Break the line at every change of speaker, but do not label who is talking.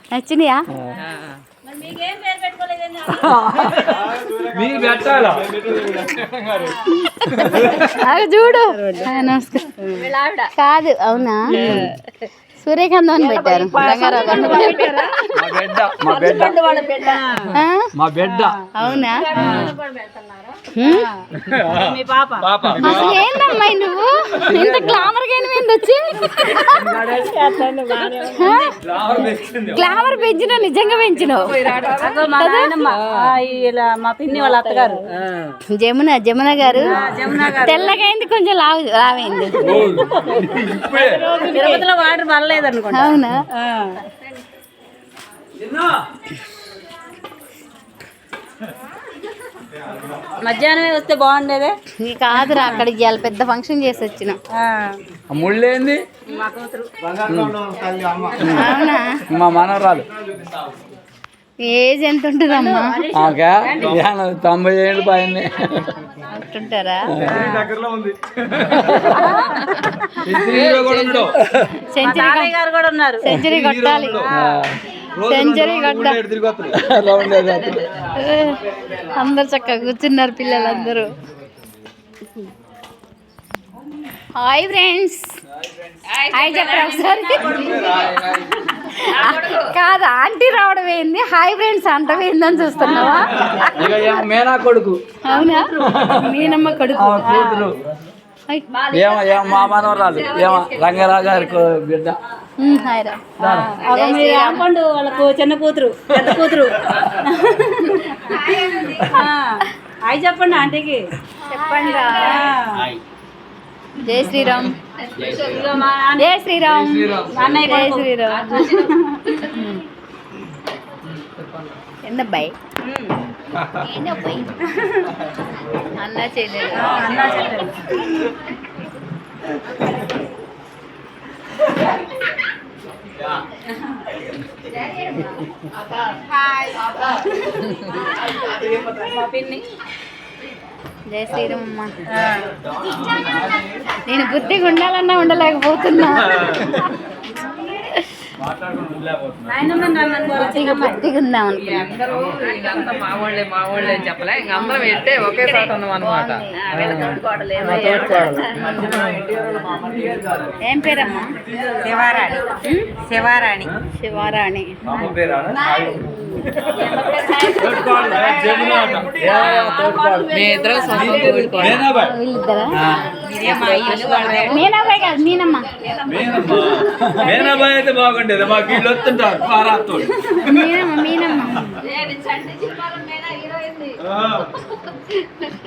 నచ్చినాయా?
మీరు పెట్టాలా
చూడు. నమస్కారం. కాదు, అవునా? సూర్యకాంతం అని పెట్టారు.
మా బిడ్డ.
అవునా? అసలు ఏందమ్మాయి నువ్వు ఇంత గ్లామర్ గా వచ్చి గ్లామర్ పెంచినావు, నిజంగా పెంచినావు.
మా పిన్ని వాళ్ళ అత్తగారు
జమున గారు తెల్లగైంది, కొంచెం లావైంది.
తిరుపతిలో వాటర్ పడలేదు అనుకుంటా.
అవునా?
మధ్యాహ్నమే వస్తే బాగుండేదే.
కాదురా, అక్కడికి ఇవాళ పెద్ద ఫంక్షన్ చేసి వచ్చిన.
ముళ్ళేంది?
అవునా?
మా మనవరాలు.
ఏజ్ ఎంత ఉంటుందమ్మా?
90 ఏళ్ళు పైన
ఉంటుంటారా?
సెంచరీ గారు కూడా ఉన్నారు.
సెంచరీ కొట్టాలి, సెంచరీ కొట్టాలి. అందరు చక్కగా కూర్చున్నారు పిల్లలందరూ. Hi friends. హాయ్ చెప్పరా ఒకసారి. కాదు, ఆంటీ రావడం ఏంది, హాయ్ ఫ్రెండ్స్ అంటం ఏందని చూస్తున్నావా?
మేనా కొడుకు.
అవునా? మీనమ్మ కొడుకు.
మా మనవరాలు రంగారావు గారి బిడ్డ.
రాంపండు వాళ్ళకు చిన్న కూతురు, పెద్ద కూతురు. హాయ్ చెప్పండి ఆంటీకి.
చెప్పండి. జై శ్రీరామ్. జై శ్రీరామ్. జై శ్రీరామ్. ఎందబ్బాయి? ఏందబ్బాయి? అన్నా చెల్లెలు.
అన్నా చెల్లెలు. మా పిన్ని.
జై శ్రీరామమ్మ. నేను బుద్ధిగా ఉండాలన్నా ఉండలేకపోతున్నా. బుద్ధిగా ఉందాం అనుకున్నా.
మా వాళ్ళే చెప్పలే, ఇంక అందరం వెళ్తే ఒకే చోట ఉన్నాం అనమాట.
ఏం పేరమ్మా?
శివారాణి. శివారాణి.
శివారాణి.
మీ ఇద్దరు
వీళ్ళిద్దరా? మీనాబాయ్ కాదు, మీనమ్మ.
మేనాబాయ్ అయితే బాగుండేది. మాకు వీళ్ళు వస్తుంటారు.
మీనమ్మ.